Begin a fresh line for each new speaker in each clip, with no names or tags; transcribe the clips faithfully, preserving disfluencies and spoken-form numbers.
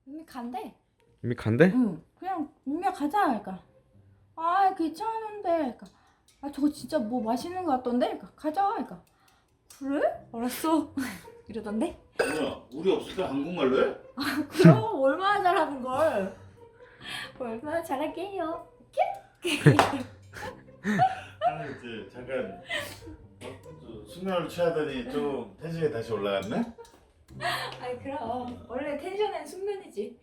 이미 간대.
이미 간대?
응. 그냥 유미야 가자. 그러니까 아 귀찮은데. 그러니까 아 저거 진짜 뭐 맛있는 거 같던데. 그러니까 가자. 그러니까 그래? 알았어. 이러던데.
뭐야? 우리 없을 때 한국말로 해?
그럼 얼마나 잘하는 걸. 얼마나 잘할게요.
아, 이제 잠깐 어? 저 숙면을 취하더니 좀 텐션이 다시 올라갔네?
아이 그럼 원래 텐션은 숙면이지.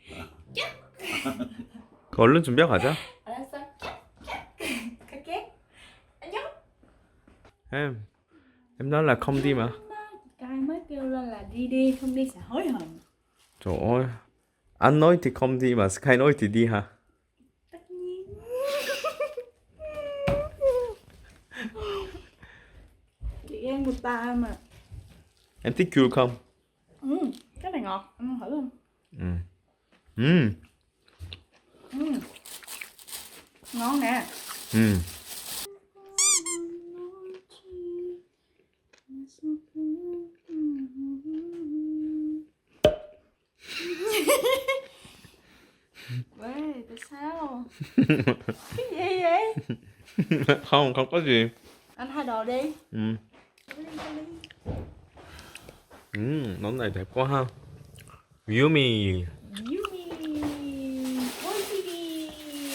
그 얼른 준비하고 가자.
알았어. 갈게. 안녕.
Em Em nói là không đi mà.
Cái mới kêu lên là đi đi không đi sẽ hối hận.
Trời ơi, anh nói thì không đi mà Sky nói thì đi hả?
Tất nhiên. Chị em người ta mà.
Em thích chua không?
Ừ, cái này ngọt, ăn thử không?
Ừ. Ừ.
Ừ. Ngon nè.
Ừ.
Ê, tại sao? Cái gì vậy?
Không, không có gì.
Anh thay đồ đi.
Ừ.
Đi, đi, đi.
Ừ, món này đẹp quá ha. Yummy.
Yummy. 꼴찌기.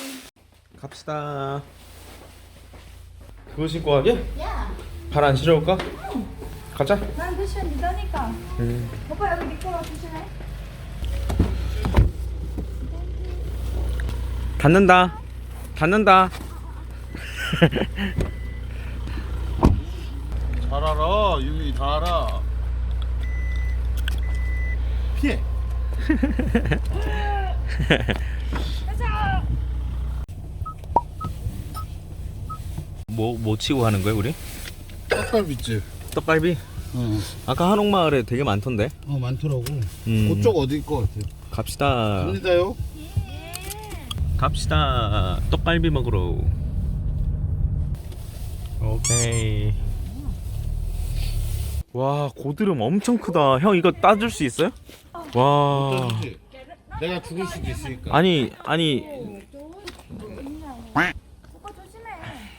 갑시다. 그거 신고 가게?
야,
발 안 시려울까? 가자.
난 패션 리더니까.
음.
오빠 여기 미끄러 조심해.
닫는다. 닫는다.
잘 알아. 유미 다 알아. 피해.
가자.
뭐, 뭐 치고 하는 거야, 우리?
떡갈비집.
떡갈비?
어,
아까 한옥마을에 되게 많던데.
어 많더라고.
음.
그쪽 어디일 것 같아?
갑시다.
갑니다요.
갑시다. 떡갈비 먹으러. 오케이. 와, 고드름 엄청 크다. 형 이거 따줄 수 있어요? 와.
어쩌지? 내가 죽을 수도 있으니까.
아니, 아니.
오빠 조심해.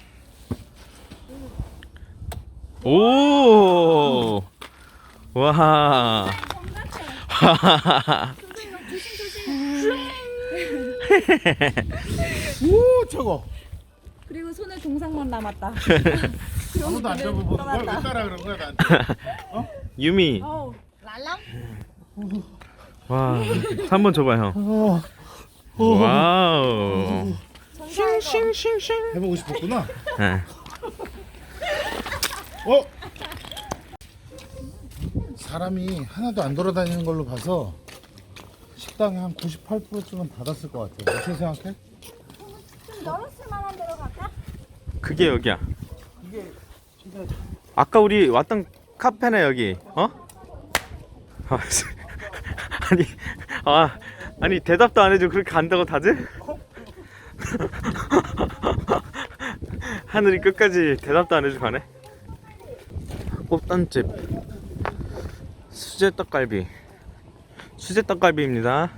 오. 와.
선생님 조심 조심.
오, 저거.
그리고 손에 동상만 남았다.
아무도 안 잡아보는 거야? 왜 따라 그런 거야 나한테?
유미.
어우, 랄랑?
와. 한 번 줘봐 형.
어,
와우.
싱싱싱싱.
해보고 싶었구나.
네.
어? 사람이 하나도 안 돌아다니는 걸로 봐서 식당에 한 구십팔 퍼센트쯤은 닫았을 것 같아. 어떻게 생각해?
좀 열었을 만한 데로 갈까?
그게 여기야.
이게 진짜
아까 우리 왔던 카페네 여기. 어? 아, 아니, 아, 아니 대답도 안 해주고 그렇게 간다고 다들? 하늘이 끝까지 대답도 안 해주고 가네. 꽃단집 수제 떡갈비. 수제 떡갈비입니다.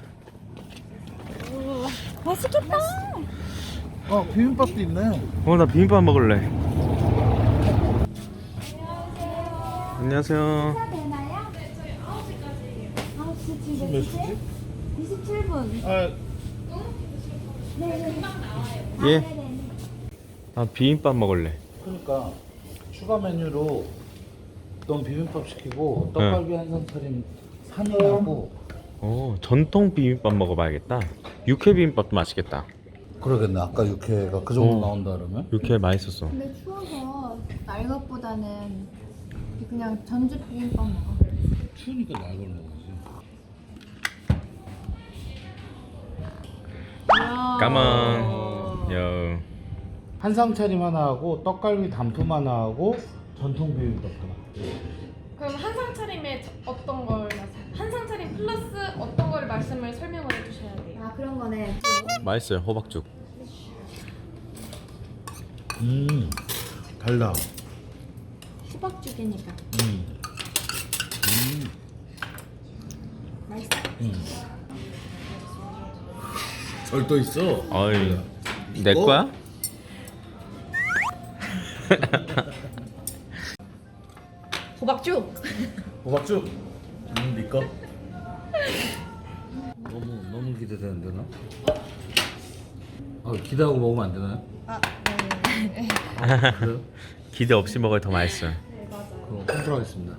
맛있겠다.
어 비빔밥도 있네.
어, 나 비빔밥 먹을래. 안녕하세요.
되나요? 네, 저희 아홉 시까지. 아홉 시 지금
몇 시지?
이십칠 분.
아
네.
예.
네네.
아, 비빔밥 먹을래.
그러니까 추가 메뉴로 넌 비빔밥 시키고 떡갈비 한 상 차림 산이하고.
어, 전통 비빔밥 먹어봐야겠다. 육회 비빔밥도 맛있겠다.
그러겠네. 아까 육회가 그 정도
어.
나온다 그러면.
육회 맛있었어.
근데 추워서 날것보다는 그냥 전주 비빔밥 먹어.
추우니까 날걸 먹어야지.
까만. 여.
한상 차림 하나 하고 떡갈비 단품 하나 하고 전통 비빔밥 하나.
그럼 한상 차림에 저- 어떤 걸 말씀- 한상 차림 플러스 어떤 걸 말씀을 설명을 해주셔야 돼요.
아 그런 거네.
맛있어요, 호박죽.
음 달다.
수박죽이니까.
음.
맛있어.
음. 절도 있어.
어이, 내
이거?
거야?
호박죽.
호박죽. 음, 네 거. 너무 너무 기대되는데 나. 아 기대하고 먹으면 안 되나요?
아,
그래요?
기대 없이 먹어야 더 맛있어요.
네 맞아요.
그럼 컨트롤하겠습니다.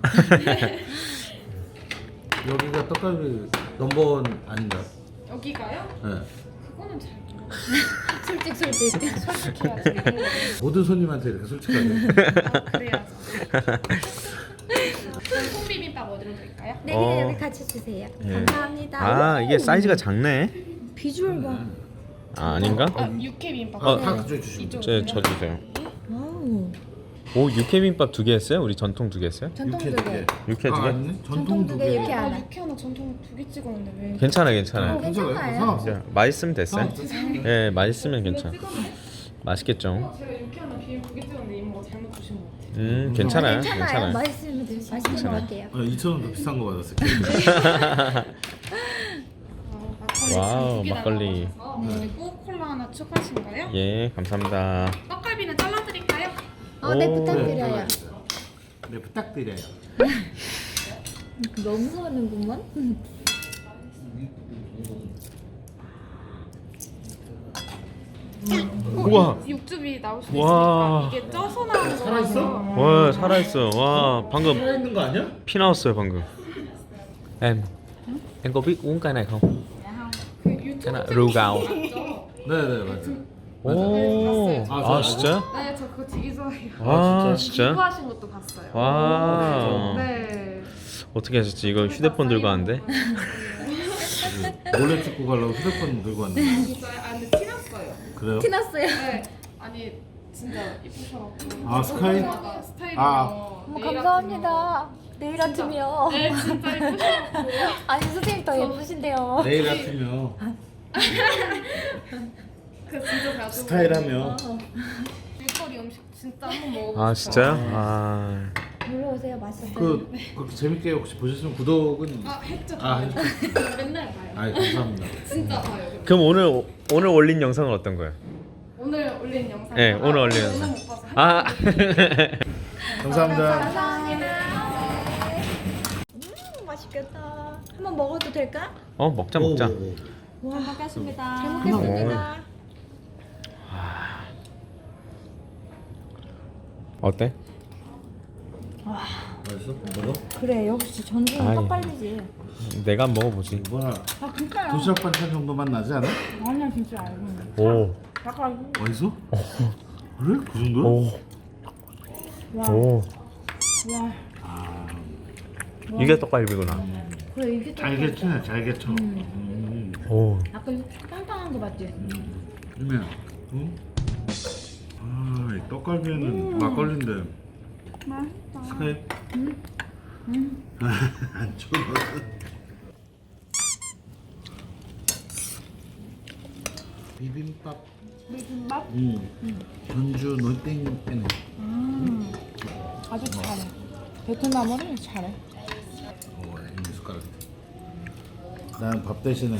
여기가 떡갈비 넘버원 아닌가요?
여기가요?
네.
그거는 잘 모르겠어요.
솔직 솔직.
솔직해야지.
모든 손님한테 이렇게 솔직하게.
아, 그래야죠. 그럼 콩비빔밥 어디로 드릴까요?
네,
어.
그냥 여기 같이 주세요.
예.
감사합니다.
아, 이게 사이즈가 작네.
비주얼 봐.
아, 아닌가?
아 육회비빔밥.
어,
다 그쪽에 주시면 돼요.
제, 저 주세요.
와우.
오, 육회비빔밥 두 개 했어요? 우리 전통 두 개 했어요?
전통
육회
두 개.
육회 두
아,
개?
아니네.
전통
전통
두
두
개,
개.
육회
아
하나.
육회 하나 전통 두 개 찍었는데 왜?
괜찮아,
어,
괜찮아요.
괜찮아요.
상관없어.
자, 맛있으면 됐어요.
상관없어.
예, 맛있으면 괜찮아. 맛있겠죠.
어, 제가 육회 하나 비빔 두 개 찍었는데 이모가 잘못 주신 것 같아요.
음, 괜찮아요.
괜찮아요.
괜찮아요.
맛있으면 드- 맛있는 것 같아요.
아, 이천 원 더 비싼 거 받았어요.
아, 막걸리
와우,
두개
막걸리.
남아서 그리고 콜라 하나 추가하신가요?
예, 감사합니다.
떡갈비는 잘라드릴까요?
어, 네
오.
부탁드려요.
네, 부탁드려요.
너무 하는구만.
우와.
육즙이 나올 수
와.
있으니까 이게 쪄서 나오는
살아있어?
거라서
와, 살아있어. 와, 방금
살아있는 거 아니야?
피 나왔어요, 방금. Em, em có biết uống cái này không?
그 유튜브
cái này
찍은
rượu
거
gạo.
맞죠?
네네 맞아요.
오,
아,
아,
저
진짜?
네, 저 그거 되게 좋아해요.
아,
진짜?
진짜?
기부하신 것도 봤어요.
와.
네.
어떻게 하셨지? 이거 휴대폰 들고 왔는데?
몰래 찍고 가려고 휴대폰 들고 왔네.
진짜요? 아 근데 티났어요.
그래요?
티났어요.
네. 아니 진짜 이쁘셔갖고.
아, 스카이?
아, 스타일이
아.
어머, 감사합니다. 내일 아침이요.
네, 진짜 이쁘셔갖고.
아니 선생님 더 예쁘신데요.
내일 아침이요.
그 진짜 자주.
스타일하며.
일거리 음식 진짜 한번 먹어보고
아,
싶어요.
진짜요? 아,
놀러 오세요. 맛있어요.
그 그렇게 재밌게 혹시 보셨으면 구독은.
아 했죠.
아,
아, 맨날 봐요.
아 감사합니다.
진짜 봐요.
그럼 오늘 오늘 올린 영상은 어떤 거예요?
오늘 올린 영상.
네, 오늘 올린
오늘
영상.
못 봐서.
아,
감사합니다.
감사합니다. 음, 맛있겠다. 한번 먹어도 될까?
어 먹자 먹자.
오, 오, 오.
와, 먹겠습니다. 잘 먹겠습니다.
어때?
맛있어? 먹어?
그래, 역시 전주는
아이.
떡갈비지.
내가 한번 먹어보지.
뭐야?
아, 진짜요?
도시락 반찬 정도만 나지 않아?
아니야, 진짜 알고 있는.
오,
약간
맛있어? 그래? 그 정도야?
오,
와,
오.
와.
아,
이게 떡갈비구나.
그래, 이게 또
잘게 치네, 잘게 쳐. 음.
오,
약간 땅땅한 거 맞지?
유미야, 응? 아, 이 떡갈비에는 막걸리인데.
맛있다.
스카이?
음. 음.
안 좋아. 비빔밥.
비빔밥?
음. 전주 놀땡이네.
음. 아주 잘해. 베트남어를 잘해.
오, 이 숟가락. 난 밥 대신에.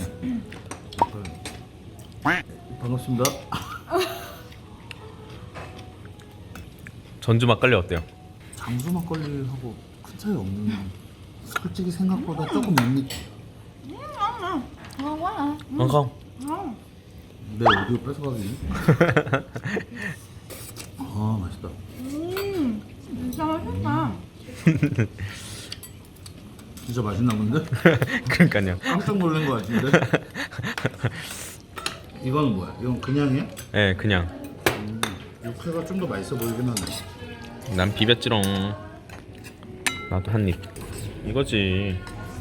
반갑습니다.
전주 막걸리 어때요?
장수 막걸리하고 큰 차이 없는. 솔직히 생각보다 조금 밋밋.
아, 와.
엉컹.
아.
내 오디오 뺏어가기. 아 맛있다.
음. 진짜 맛있다.
진짜 맛있나 본데?
그러니까요.
깜짝 놀란 거 같은데? 이거는 뭐야? 이건 그냥이야?
네, 그냥
음, 육회가 좀 더 맛있어 보이긴 하네.
난 비볐지롱. 나도 한 입. 이거지.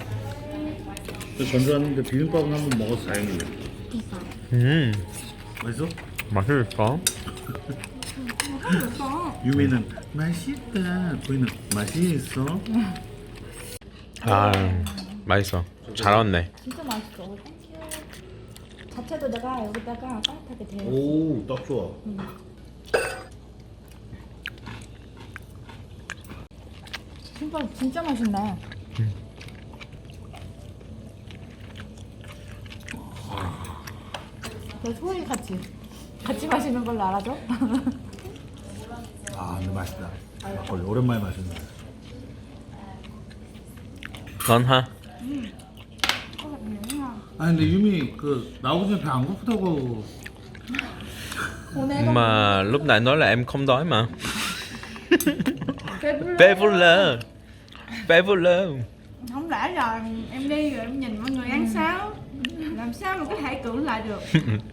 그 전주 왔는데 비빔밥은 한번 먹어서 다행이네.
음,
맛있어?
맛있을까?
유미는 맛있다. 보이는 맛이 있어.
아, 맛있어. 잘 왔네.
진짜 맛있어. 자체도 내가 여기다가 따뜻하게 데워.
오, 딱 좋아.
진짜 진짜 맛있네. 너 소희 같이 같이 마시는 걸로 알아줘?
아 근데 맛있다. 막걸리 오랜만에 마셨네.
넌 하.
아니 근데 유미 그 나오기 전에 배 안 고프다고.
오늘
Mà lúc nãy nói là em không đói mà. Bé vô lơ. Bé vô lơ.
không lẽ là em đi rồi em nhìn mọi người ăn sao? Làm sao mà có thể cưỡng lại được?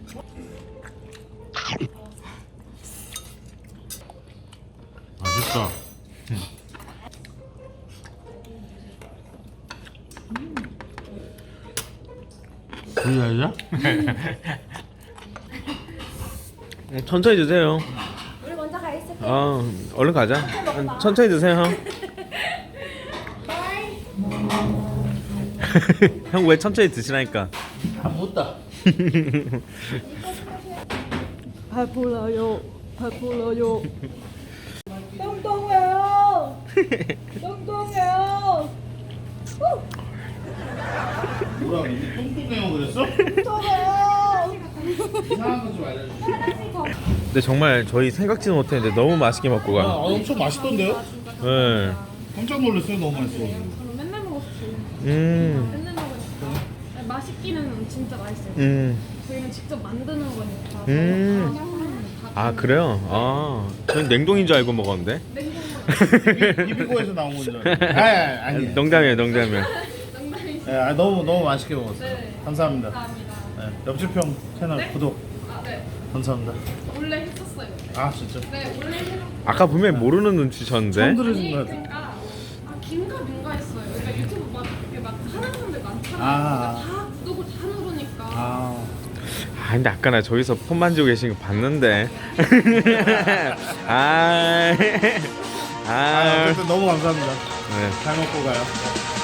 맛있다. 우리 알자?
천천히 드세요.
우리 먼저 가 있을게.
아, 얼른 가자. 천천히 드세요. 형 왜 천천히 드시라니까.
안 묻다.
배불러요. 배불러요. 똥똥해요. 똥똥해요.
뭐라 그랬니? 똥똥해요 그랬어?
똥똥해요.
이상한 거 좀 알려줘.
근데 정말 저희 생각지도 못했는데 너무 맛있게 먹고
아,
가.
엄청 맛있던데요?
네.
깜짝 놀랐어요. 너무 맛있어.
저는 맨날 먹었지.
음.
맨날 먹으니까. 아니, 맛있기는 진짜 맛있어요.
음.
저희는 직접 만드는 거니까.
음. 아 그래요? 아, 전 냉동인 줄 알고 먹었는데.
이비고에서 나온 건 줄 알았는데. 아니 아니.
농담이에요, 농담이에요.
네, 아, 너무 너무 맛있게 먹었어요.
네.
감사합니다.
감사합니다.
네, 옆집형 채널
네?
구독
아, 네.
감사합니다.
원래 했었어요.
아 진짜.
네, 원래 했었어요.
아까 분명히 모르는
처음
눈치셨는데.
들으신
아니
거 같아.
그러니까 아 긴가 민가 했어요. 그러니까 유튜브 막 이렇게 막 하는 사람들 많잖아요.
아.
그러니까 다 구독을 다 누르니까.
아.
아 근데 아까 나 저기서 폰 만지고 계신 거 봤는데. 아.
아
아.
어쨌든 너무 감사합니다.
네.
잘 먹고 가요.